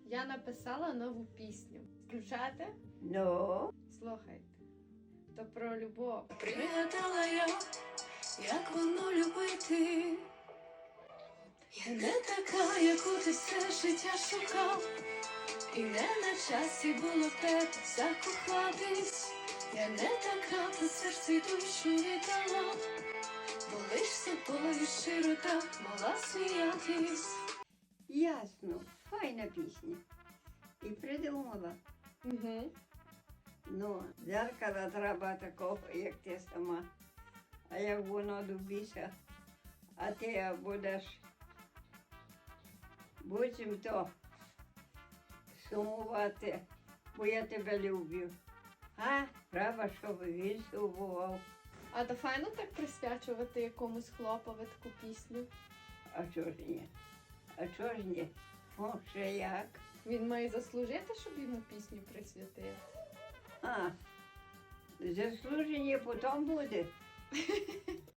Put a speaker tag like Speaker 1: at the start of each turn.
Speaker 1: Я написала нову пісню. Включати?
Speaker 2: Ну,
Speaker 1: Слухайте. То про любов.
Speaker 3: Пригадала я, як воно любити. Я не така, яку ти все життя шукав, і не на часі було в тебе закохатись. Я не така, ти серце й душу віддала, бо лиш собою щиро так могла сміятись.
Speaker 2: ясно, файна пісня. І придумала.
Speaker 1: Угу.
Speaker 2: Ну, дзеркала треба такого, як ти сама. А як воно добіся, а ти будеш буцімто сумувати, бо я тебе люблю. А треба, щоб він сумував.
Speaker 1: А то файно так присвячувати якомусь хлопові таку пісню.
Speaker 2: А чого ж ні? А чого ж ні? О, ще як?
Speaker 1: Він має заслужити, щоб йому пісню присвятити.
Speaker 2: А, заслуження потім буде.